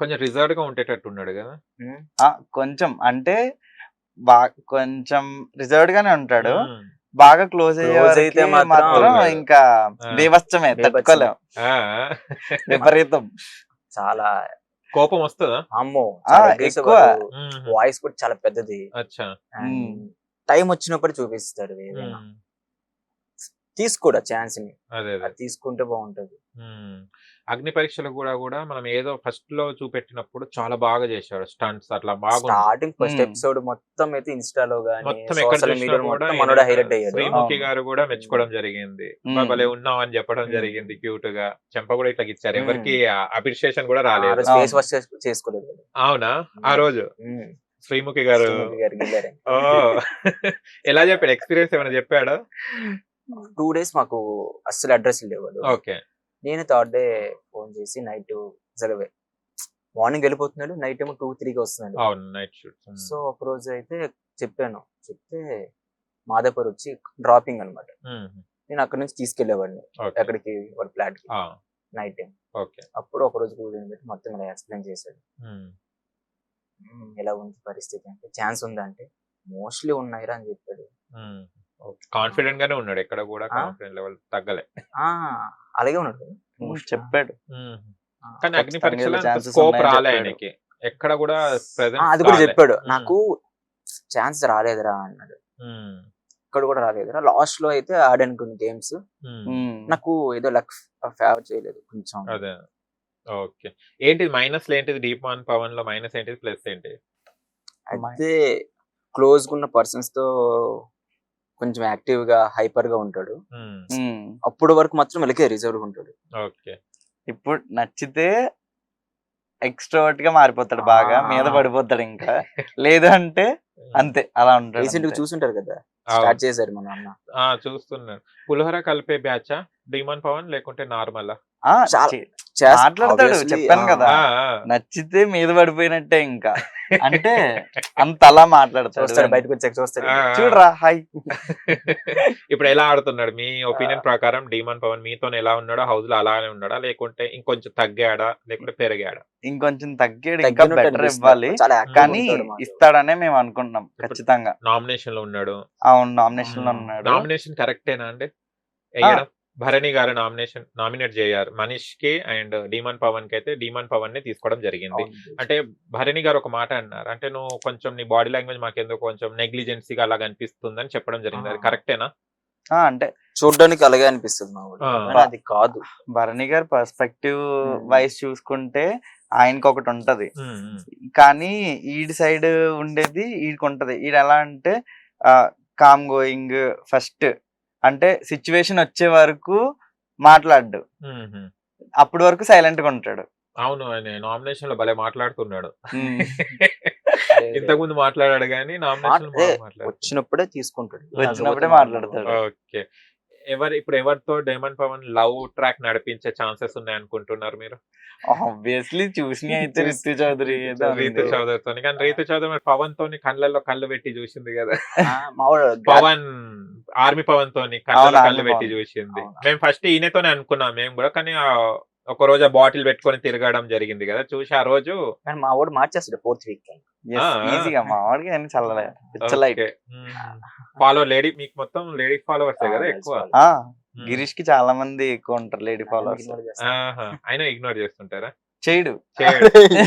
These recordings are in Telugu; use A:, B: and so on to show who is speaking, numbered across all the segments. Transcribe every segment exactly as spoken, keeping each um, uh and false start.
A: కొంచెం రిజర్వ్డ్ గా ఉండేటట్టు ఉన్నాడు కదా.
B: ఆ కొంచెం అంటే బా కొంచెం రిజర్వ్డ్ గానే ఉంటాడు.
A: ఉమ్.
B: బాగా క్లోజ్ అయ్యే
C: క్లోజ్ అయితే
B: వరకి
C: మాత్రం
B: మాత్రం
A: అవును.
B: ఇంకా
A: ఆ.
B: బీభత్సమే,
C: బీభత్సమే.
B: తట్టుకోలేం,
A: ఆ.
B: విపరీతం.
C: చాలా
A: కోపం వస్తుందా?
C: అమ్మో
B: ఆ,
C: చాలా aggressive
B: ఎక్కువ.
C: వాడు.
A: ఉమ్.
C: వాయిస్ కూడా చాలా పెద్దది.
A: అచ్చా.
B: ఉమ్.
C: టైం వచ్చినప్పుడు చూపిస్తాడు ఏదైనా.
A: ఉమ్.
C: తీసుకోడా ఛాన్స్ ని,
A: అదే అదే.
C: అది తీసుకుంటే బాగుంటది.
A: ఉమ్. అగ్ని పరీక్షలు కూడా కూడా మనం ఏదో ఫస్ట్ లో చూపెట్టినప్పుడు చాలా బాగా చేశాడు స్టంట్స్ అట్లా బాగుంది.
C: స్టార్టింగ్ ఫస్ట్
B: ఉమ్.
C: ఎపిసోడ్ మొత్తం అయితే ఇన్స్టాలో గానీ
A: మొత్తం ఎక్కడ
C: సోషల్
A: చూసినా
C: మీడియాలో
A: కూడా
C: మొత్తం మనోడు
A: ఈయన
C: హైలైట్ అయ్యాడు.
A: శ్రీముఖి
B: అవును.
A: గారు కూడా మెచ్చుకోవడం జరిగింది.
B: ఉమ్.
A: బా భలే ఉన్నావు అని చెప్పడం
C: ఉమ్.
A: జరిగింది క్యూట్ గా. చెంప కూడా ఇట్లా ఇచ్చారు,
C: ఉమ్.
A: ఎవరికి అప్రిషియేషన్ కూడా
C: ఆ
A: రాలేదు.
C: రోజు ఫేస్
B: అవును.
C: వాష్ చేసుకోలేదు వాడు.
A: అవునా? ఆ రోజు
C: ఉమ్.
A: శ్రీముఖి గారు
C: శ్రీముఖి గారికి వెళ్ళారు.
A: ఓ ఎలా చెప్పాడు? ఎక్స్పీరియన్స్ ఏమైనా చెప్పాడా?
C: టూ డేస్ మాకు అస్సలు అడ్రస్ లేవాడు.
A: ఓకే.
C: నేను థర్డ్ డే ఫోన్ చేసి నైట్ అసలు మార్నింగ్ వెళ్ళిపోతున్నాడు, నైట్ ఏమో టూ త్రీకి వస్తున్నాడు.
A: అవును, నైట్ షూట్.
C: సో ఒక రోజు అయితే చెప్పాను, చెప్తే మాదాపూర్ వచ్చి డ్రాపింగ్ అన్నమాట. నేను అక్కడ నుంచి తీసుకెళ్లేవాడిని ఎక్కడికి, వాళ్ళ ఫ్లాట్ కి నైట్ టైం.
A: ఓకే.
C: అప్పుడు ఒక రోజు కూర్చొని పెట్టి మొత్తం ఇలా ఎక్స్ప్లెయిన్ చేశాడు. "ఉమ్, ఎలా ఉంది పరిస్థితి అంటే, ఛాన్స్ ఉందా అంటే మోస్ట్లీ ఉన్నాయిరా అని చెప్పాడు.
A: కాన్ఫిడెంట్ గానే ఉన్నాడు, ఎక్కడ కూడా
C: ఆ?
A: కాన్ఫిడెంట్ లెవెల్ తగ్గలే.
C: ఆ అలాగే ఉన్నాడు.
B: ఉమ్, చెప్పాడు.
C: ఆ,
A: కానీ అగ్ని
B: ఖచ్చితంగా
A: పరీక్షలో
B: ఇలా chances
A: స్కోప్
B: ఉన్నాయని
A: రాలే
B: చెప్పాడు.
A: ఆయనకి, ఎక్కడ కూడా
C: ఆ,
A: ప్రెసెంట్
C: అది కూడా చెప్పాడు. నాకు ఛాన్స్ రాలేదురా అన్నాడు. ఇక్కడ కూడా రాలేదురా, లాస్ట్ లో అయితే ఆడాను కొన్ని గేమ్స్,
B: ఉమ్.
C: నాకు ఏదో లక్ ఫేవర్ చేయలేదు కొంచెం.
A: అదే. ఓకే. ఏంటిది మైనస్ ఏంటిది? డీప్ వన్ పవన్ లో మైనస్ ఏంటిది, ప్లస్ ఏంటి?
C: అయితే క్లోజ్ ఉన్న పర్సన్స్ తో కొంచెం యాక్టివ్ గా హైపర్ గా ఉంటాడు.
A: ఉమ్.
B: ఉమ్.
C: అప్పుడు వరకు మాత్రం ఇలాగే రిజర్వ్ ఉంటాడు.
A: ఓకే.
B: ఇప్పుడు నచ్చితే ఎక్స్ట్రోవర్ట్ గా మారిపోతాడు, బాగా
C: ఆ.
B: మీద పడిపోతాడు. ఇంకా లేదు అంటే అంతే, అలా ఉంటాడు
C: రీసెంట్ గా
B: అంతే.
C: చూసుంటారు కదా,
A: అవును.
C: స్టార్ట్ చేశారు మన అన్న.
A: ఆ చూస్తున్నాను. పులిహోర కలిపే బ్యాచా డీమన్ పవన్ లేకుంటే నార్మల్?
B: ఆ,
C: చాలా
B: చే-
C: చేస్-
B: మాట్లాడతాడు,
C: obviously,
B: చెప్పాను
C: ఆ,
B: కదా. నచ్చితే మీద పడిపోయినట్టే ఇంకా, అంటే అంత అలా మాట్లాడతాడు.
C: చూస్తాడు, బయటకు వచ్చాక చూస్తాడు.
B: చూడరా హాయ్.
A: ఇప్పుడు ఎలా ఆడుతున్నాడు మీ ఒపీనియన్ ప్రకారం? డీమన్ పవన్ మీతో ఎలా ఉన్నాడో హౌస్ లో అలానే ఉన్నాడా, లేకుంటే ఇంకొంచెం తగ్గాడా, లేకుంటే పెరిగాడా?
B: ఇంకొంచెం తగ్గాడు, ఇంకా
C: తగ్గినట్టు
B: బెటర్
C: అనిపిస్తుంది.
B: ఇవ్వాలి,
C: చాలా యాక్టివ్
B: కానీ
C: ఉంటాడు మాతో.
B: ఇస్తాడనే మేము అనుకుంటున్నాం ఖచ్చితంగా.
A: నామినేషన్ లో ఉన్నాడు.
B: అవును, నామినేషన్ లో ఉన్నాడు.
A: నామినేషన్ కరెక్టేనా అండి వేయడం? భరణి గారు నామినేషన్ నామినేట్ చేయారు మనీష్ కి అండ్ డీమన్ పవన్ కి. అయితే డీమన్ పవన్ ని తీసుకోవడం జరిగింది.
C: అవును.
A: అంటే భరణి గారు ఒక మాట అన్నారు, అంటే నువ్వు కొంచెం నీ బాడీ లాంగ్వేజ్ మాకెందుకు కొంచెం నెగ్లిజెన్సీగా అలా అనిపిస్తుందని చెప్పడం జరిగింది. అది
C: ఆ.
A: కరెక్టేనా?
B: ఆ, అంటే
C: చూడడానికి అలాగే అనిపిస్తుంది మా ఊళ్ళో,
A: ఆ.
C: కానీ అది కాదు.
B: భరణి గారి పర్స్పెక్టివ్
C: Hmm.
B: వైస్ చూసుకుంటే ఆయనకి ఒకటి ఉంటది,
A: ఉమ్, ఉమ్,
B: కానీ ఈడి సైడ్ ఉండేది ఈడికి ఉంటది. ఈడు ఎలా అంటే కామ్ గోయింగ్, ఫస్ట్ అంటే సిచ్యువేషన్ వచ్చే వరకు మాట్లాడు,
A: ఉమ్, ఉమ్.
B: అప్పటి వరకు సైలెంట్ గా ఉంటాడు.
A: అవును, ఆయన నామినేషన్ లో భలే మాట్లాడుతున్నాడు.
B: ఉమ్.
A: ఇంతకు ముందు మాట్లాడాడు కానీ నామినేషన్ లో
C: మాట్- ఏ,
A: మాట్లాడు.
C: వచ్చినప్పుడే తీసుకుంటాడు.
B: వచ్చినప్పుడే
C: లేకపోతే
B: మాట్లాడతాడు.
A: ఓకే. ఎవరు ఇప్పుడు ఎవరితో డైమండ్ పవన్ లవ్ ట్రాక్ నడిపించే ఛాన్సెస్ ఉన్నాయి అనుకుంటున్నారు మీరు?
B: ఆబ్వియస్లీ చూసిన అయితే రితు చౌదరి ఏదో ఉంది.
A: రీతు చౌదరితో. కానీ రీతు చౌదరి మరి పవన్ తోని కళ్ళల్లో కళ్ళు పెట్టి చూసింది కదా.
C: ఆ, మా వాడు
A: పవన్ ఆర్మీ పవన్ తోని కళ్ళలో
B: అవును,
A: కళ్ళు
B: ఆర్మీ
A: పెట్టి
B: పవన్.
A: చూసింది.
C: అవును.
A: మేము ఫస్ట్ ఈయనతోనే అనుకున్నాం మేము కూడా, కానీ ఆ ఒక రోజు ఆ బాటిల్ పెట్టుకొని తిరగడం జరిగింది కదా, చూసి ఆ రోజు
C: కానీ మా వాడు మార్చేస్తాడు ఫోర్త్ వీక్.
B: Yes,
A: ఆ,
B: ఈజీగా మా వాడికి అన్ని చల్లలే, పిచ్చలైట్.
A: ఫాలో లేడీ, మీకు మొత్తం లేడీ ఫాలోవర్స్ కదా ఎక్కువ.
B: ఆ,
A: మ్మ్.
B: గిరీష్ కి చాలా మంది ఎక్కువ ఉంటారు లేడీ ఫాలోవర్స్.
A: ఆహా. అయినా ఇగ్నోర్ చేస్తుంటారా?
B: చేయడు
A: చేయడు.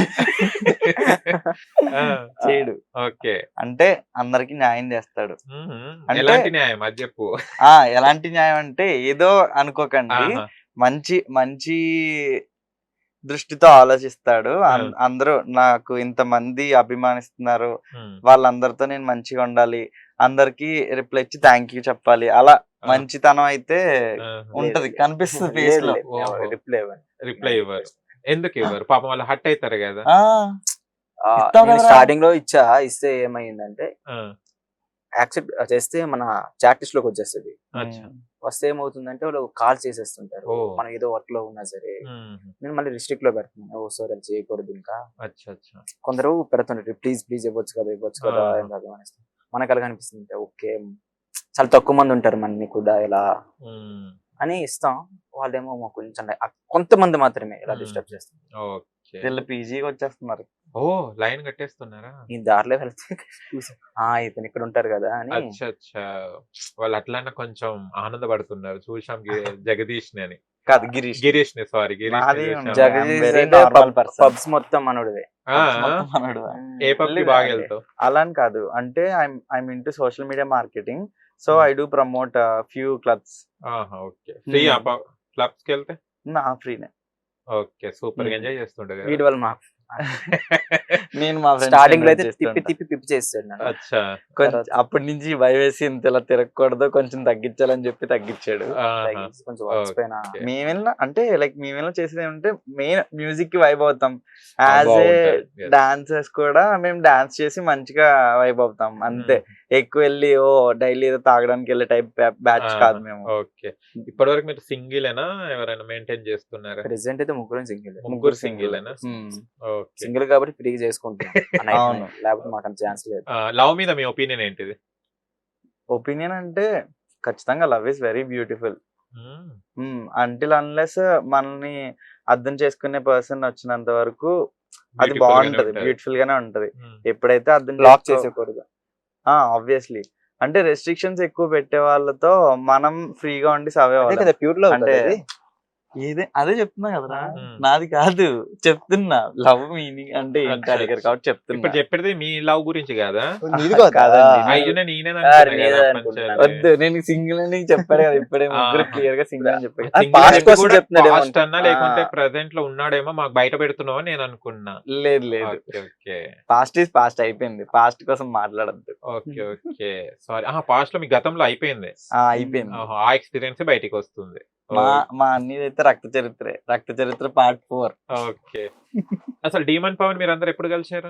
A: ఆ,
B: చేయడు
A: ఓకే.
B: అంటే అందరికి న్యాయం చేస్తాడు.
A: మ్మ్.
B: అంటే-
A: ఎలాంటి న్యాయం అది చెప్పు.
B: ఆ ఎలాంటి న్యాయం అంటే ఏదో అనుకోకండి,
A: ఆహా.
B: మంచి మంచి దృష్టితో ఆలోచిస్తాడు. అం- అందరూ నాకు ఇంతమంది అభిమానిస్తున్నారు,
A: మ్మ్.
B: వాళ్ళందరితో నేను మంచిగా ఉండాలి, అందరికి రిప్లై ఇచ్చి థ్యాంక్ యూ చెప్పాలి, అలా
A: ఆ.
B: మంచితనం అయితే
A: ఆహా.
B: ఉంటది, కనిపిస్తుంది ఫేస్ లో.
A: ఓహో.
C: రిప్లై
A: రిప్లై ఇవ్వరు. ఎందుకు ఇవ్వరు? పాపం వాళ్ళు హట్ అవుతారు కదా.
B: ఆ, ఇస్తావు కదరా.
C: స్టార్టింగ్ లో ఇచ్చా, ఇస్తే ఏమైందంటే
A: ఆ,
C: యాక్సెప్ట్ చేస్తే మన చాట్ లిస్ట్ లోకి వచ్చేస్తుంది.
A: అచ్చా.
C: వస్తే ఏమవుతుందంటే వాళ్ళు కాల్ చేసేస్తుంటారు,
A: ఓ.
C: మనం ఏదో వర్క్ లో ఉన్నా సరే.
A: మ్మ్.
C: నేను మళ్ళీ రిస్ట్రిక్ట్ లో పెడుతున్నాను, ఓ సార్ అది చేయకూడదు. ఇంకా
A: అచ్చా అచ్చా.
C: కొందరు పెడుతుంటారు, ప్లీజ్ ప్లీజ్ ఇవ్వచ్చు కదా ఇవ్వచ్చు కదా
A: ఆ.
C: ఏం కాదు అనేసి. మనకు అలాగ అనిపిస్తుంది, ఓకే చాలా తక్కువ మంది ఉంటారు మన కూడా ఇలా
A: మ్మ్.
C: అని ఇస్తాం. వాళ్ళేమో మాకు కొంచెం కొంతమంది మాత్రమే ఇలా
A: Hmm.
C: డిస్టర్బ్ చేస్తారు.
A: ఓకే. ఓకే.
B: వీళ్ళు పీజీకి వచ్చేస్తున్నారు.
A: ఓ లైన్ కట్టేస్తున్నారా?
C: ఈ దారిలో వెళ్తే చూసా ఆ ఇతను ఇక్కడ ఉంటారు కదా అని.
A: అచ్చా అచ్చా వాళ్ళు అట్లన్నా కొంచెం ఆనందపడుతున్నారు చూసాం గి- జగదీష్ ని అని
B: కాదు గిరీష్.
A: గిరీష్ ని సారీ గిరీష్ ని
B: నాది
A: చూశాం.
C: జగదీష్
B: very
C: అయితే
B: normal
C: పబ్-
B: person.
C: పబ్స్ మొత్తం మనోడిదే.
A: ఆ,
B: మొత్తం మనోడు.
A: ఏ పబ్ కి
B: లేదు
A: బాగా
B: అంటే
A: వెళ్తావు?
B: అలా అని కాదు, అంటే I'm I'm into social media marketing, so
A: Hmm.
B: I do promote few clubs.
A: ఆహా ఓకే ఫ్రీ
B: Hmm.
A: క్లబ్స్ కి వెళ్తే
B: నా ఫ్రీనే.
A: ఓకే సూపర్ గా
B: Hmm.
A: ఎంజాయ్ చేస్తుండే కదా.
C: వీడి వల్ల మాకు
B: నేను మా ఫ్రెండ్స్
C: స్టార్టింగ్ లో అయితే తిప్పి తిప్పి పిప్పి చేస్తాడు నన్ను.
A: అచ్చా
B: కొంచెం
C: తర్వాత-
B: అప్పటి నుంచి భయం వేసి ఇంత ఇలా తిరగకూడదు, కొంచెం తగ్గించాలని చెప్పి తగ్గించాడు.
A: ఆహా.
C: తగ్గించి కొంచెం వచ్చిపోయినా
A: ఓకే.
B: మేమేలా అంటే లైక్ మేమేలా చేసేది ఏమంటే మెయిన్ మ్యూజిక్ కి వైబ్ అవుతాం,
A: ఆ,
B: యాజ్ ఏ
A: బాగుంటది. Yes.
B: డాన్సర్స్ కూడా మేము డాన్స్ చేసి మంచిగా వైబ్ అవుతాం అంతే.
A: Hmm.
B: ఎక్కువ వెళ్ళి ఓ డైలీ ఏదో తాగడానికి వెళ్ళే టైప్ బ్యాచ్
A: ఆహా.
B: కాదు మేము.
A: ఓకే ఇప్పటి వరకు మీరు సింగిల్ ఏనా ఎవరైనా మెయింటైన్ చేస్తున్నారా?
C: ప్రెసెంట్ అయితే ముగ్గురు సింగిల్
A: ముగ్గురు సింగిల్ ఏనా?
B: Hmm.
A: ఓకే
C: సింగిల్ కాబట్టి ఫ్రీగా చేసుకుంటాం ఆ night
B: అవును.
C: night. లేకపోతే మాకు అంత ఛాన్స్ లేదు.
A: లవ్ మీద మీ ఒపీనియన్ ఏంటిది?
B: ఒపీనియన్ అంటే ఖచ్చితంగా love is very beautiful.
A: Hmm.
B: Until unless మనల్ని అర్థం చేసుకునే పర్సన్ వచ్చినంత వరకు అది
A: Beautiful గానే
B: బాగుంటది,
A: ఉంటది.
B: బ్యూటిఫుల్ గానే ఉంటది.
A: Hmm.
B: ఎప్పుడైతే అర్థం
C: బ్లాక్
B: చేసుకో-
C: చేసేకూడదు.
B: ఆ ఆబ్వియస్లీ అంటే రెస్ట్రిక్షన్స్ ఎక్కువ పెట్టే వాళ్ళతో మనం ఫ్రీగా ఉండి సవే
C: అదే కదా ప్యూర్ లవ్
B: అంటే
C: అంటే
B: ఏదే అదే చెప్తున్నా కదరా,
A: Hmm.
B: నాది కాదు చెప్తున్నా. లవ్ మీనింగ్ అంటే ఏంటి
A: అచ్చా,
B: అడిగారు
A: అచ్చా.
B: కాబట్టి చెప్తున్నా.
A: ఇప్పుడు చెప్పేది మీ లవ్ గురించి కాదా?
C: నీది కాదా?
B: కాదండి.
A: అయ్యో నేను ఈయన
C: ఆ, నేనే అనుకుంటున్నాను.
B: వద్దు, నేను సింగిల్ అని చెప్పాడు కదా ఇప్పుడే, ముగ్గురు
A: ఆహా.
B: క్లియర్ గా సింగిల్ అని చెప్పాడు.
C: అది past కోసం చెప్తున్నాడేమో
A: పాస్ట్ అన్నా లేకుంటే
B: ఆ.
A: ప్రెసెంట్ లో ఉన్నాడేమో మాకు బయట పెడుతున్నావు అని నేను అనుకున్నా.
B: లేదు లేదు,
A: okay okay
B: past is past అయిపోయింది, పాస్ట్ కోసం మాట్లాడద్దు.
A: ఓకే ఓకే సారీ పాస్ట్ లో మీ గతంలో అయిపోయింది.
B: ఆ అయిపోయింది.
A: ఆహా, ఆ ఎక్స్పీరియన్స్ బయటికి వస్తుంది.
B: మా మా అన్నది అయితే రక్త చరిత్రే, Rakta Charitra part four.
A: Okay అసలు డీమన్ పవన్ మీరు అందరు ఎప్పుడు కలిసారు?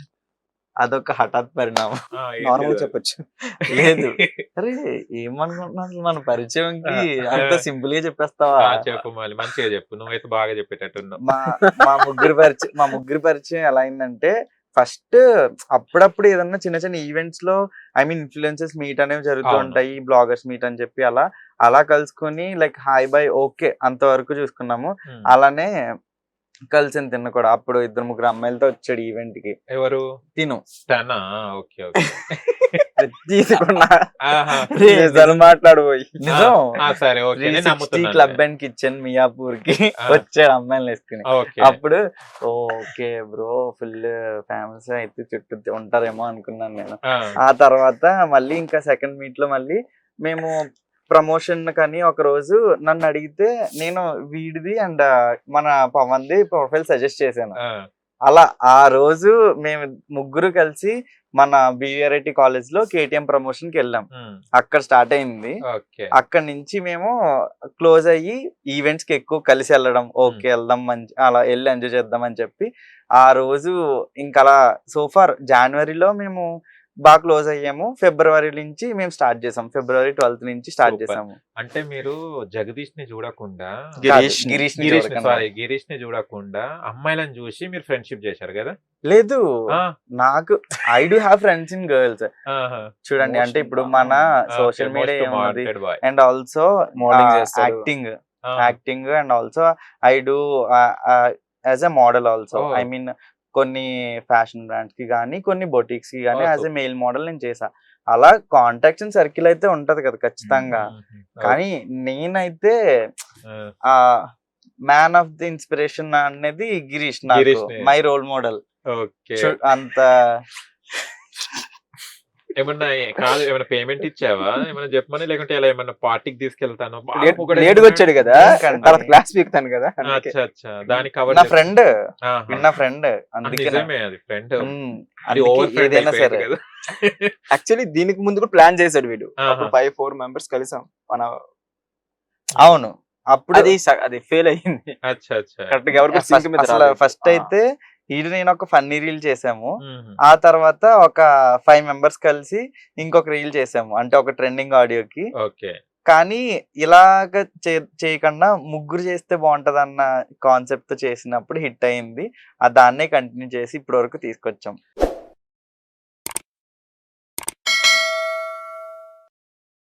B: అదొక హఠాత్ పరిణామం.
A: ఆ, ఏంటి
C: నార్మల్
A: అది?
C: చెప్పొచ్చు.
B: లేదు అరే ఏమనుకుంటున్నా అసలు మన పరిచయంకి అంత సింపుల్ గా చెప్పేస్తావా?
A: ఆ, చెప్పు మళ్ళీ మంచిగా చెప్పు, నువ్వైతే బాగా చెప్పేటట్టున్నావు.
B: మా మా ముగ్గురు పరిచయం మా ముగ్గురు పరిచయం ఎలా అయిందంటే, ఫస్ట్ అప్పుడప్పుడు ఏదన్నా చిన్న చిన్న ఈవెంట్స్ లో ఐ మీన్ ఇన్ఫ్లుయెన్సెస్ మీట్ అనేవి జరుగుతూ
A: అవును.
B: ఉంటాయి, బ్లాగర్స్ మీట్ అని చెప్పి అలా అలా కలుసుకొని లైక్ హాయ్ బై ఓకే అంతవరకు చూసుకున్నాము.
A: Hmm.
B: అలానే కలిసి తిన్న కూడా అప్పుడు ఇద్దరు ముగ్గురు అమ్మాయిలతో వచ్చాడు ఈవెంట్ కి.
A: ఎవరు?
B: తిను
A: తనా? ఓకే ఓకే
B: తీసుకున్నా
A: ఆహా.
B: నిజాలు మాట్లాడబోయి నిజం.
A: ఆ, సరే ఓకే నేను నమ్ముతున్నాను.
B: క్లబ్ అండ్ కిచెన్ మియాపూర్ కి
A: ఆ.
B: వచ్చాడు అమ్మాయిలు వేసుకుని.
A: ఓకే
B: అప్పుడు ఓకే బ్రో ఫుల్ ఫేమస్ అయితే చుట్టూ ఉంటారేమో అనుకున్నాను నేను.
A: ఆ,
B: ఆ తర్వాత మళ్ళీ ఇంకా సెకండ్ మీట్ లో మళ్ళీ మేము ప్రమోషన్ కని ఒక రోజు నన్ను అడిగితే నేను వీడిది అండ్ మన పవన్ది ప్రొఫైల్ సజెస్ట్ చేశాను.
A: ఆ,
B: అలా ఆ రోజు మేము ముగ్గురు కలిసి మన బివిఆర్ఐటి కాలేజ్ లో కేటీఎం ప్రమోషన్ కి వెళ్ళాం.
A: ఉమ్,
B: అక్కడ స్టార్ట్ అయింది.
A: ఓకే
B: అక్కడ నుంచి మేము క్లోజ్ అయ్యి ఈవెంట్స్ కి ఎక్కువ కలిసి వెళ్ళడం, ఓకే వెళ్దాం మంచి అలా వెళ్ళి ఎంజాయ్ చేద్దాం అని చెప్పి ఆ రోజు ఇంకా అలా సోఫార్ జనవరిలో మేము బాగా క్లోజ్ అయ్యాము. ఫిబ్రవరి నుంచి మేము స్టార్ట్ చేసాం, ఫిబ్రవరి ట్వెల్త్ నుంచి స్టార్ట్
A: Super.
B: చేసాము.
A: అంటే మీరు జగదీష్ ని చూడకుండా
B: గిరీష్ గిరీష్ ని
A: గిరీష్
B: చూడకుండా.
A: సారీ గిరీష్ ని చూడకుండా అమ్మాయిలను చూసి మీరు ఫ్రెండ్షిప్ చేశారు కదా?
B: లేదు
A: ఆ,
B: నాకు I do have friends in girls.
A: ఆహా.
B: చూడండి అంటే ఇప్పుడు మన సోషల్ మీడియా ఏమున్నది అండ్ ఆల్సో
C: మోడలింగ్ చేస్తాడు.
B: Acting acting and also I do as a model also.
A: Oh.
B: I mean కొన్ని ఫ్యాషన్ బ్రాండ్స్ కి కానీ కొన్ని బొటిక్స్ కి కానీ
A: Oh,
B: as a
A: super.
B: Male model నేను చేసా. అలా కాంటాక్ట్స్ అండ్ సర్కిల్ అయితే ఉంటది కదా ఖచ్చితంగా. కానీ నేనైతే ఆ మ్యాన్ ఆఫ్ ది ఇన్స్పిరేషన్ అనేది గిరీష్, నాకు
A: గిరీష్ నే.
B: My role model.
A: ఓకే
B: అంత
A: ఏమన్నా కాదు ఏమైనా పేమెంట్ ఇచ్చావా ఏమైనా చెప్పమని, లేకుంటే ఇలా ఏమన్నా పార్టీకి తీసుకెళ్తాను
C: లేటుగా వచ్చాడు కదా,
B: ఎందుకండి?
C: తర్వాత క్లాస్ పీకుతాను కదా అందుకే.
A: అచ్చా అచ్చా దానికి కవర్
B: నా ఫ్రెండ్ నా ఫ్రెండ్ అందుకే
A: నిజమే అది ఫ్రెండ్
B: ఉమ్,
A: అది
B: అందుకే
A: ఓవర్ ఫ్రెండ్
B: ఏదైనా సరే
A: కదా.
C: యాక్చువల్లీ దీనికి ముందు కూడా ప్లాన్ చేశాడు వీడు.
A: ఆహా.
C: అప్పుడు ఫైవ్ ఫోర్ మెంబర్స్ కలిసాం మన,
B: అవును అప్పుడు
C: అది స- అది ఫెయిల్ అయ్యింది
A: అచ్చా అచ్చా
C: కరెక్ట్ గా. ఎవరికి sync మీద
B: అసలు
C: రాలేదు.
B: ఫస్ట్
C: ఆ.
B: అయితే ఇది నేను ఒక ఫన్నీ రీల్ చేసాము.
A: మ్మ్.
B: ఆ తర్వాత ఒక ఫైవ్ మెంబర్స్ కలిసి ఇంకొక రీల్ చేసాము, అంటే ఒక ట్రెండింగ్ ఆడియోకి.
A: ఓకే
B: కానీ ఇలాగ చే- చేయకుండా ముగ్గురు చేస్తే బాగుంటది అన్న కాన్సెప్ట్ తో చేసినప్పుడు హిట్ అయింది. ఆ దాన్నే కంటిన్యూ చేసి ఇప్పటి వరకు తీసుకొచ్చాం.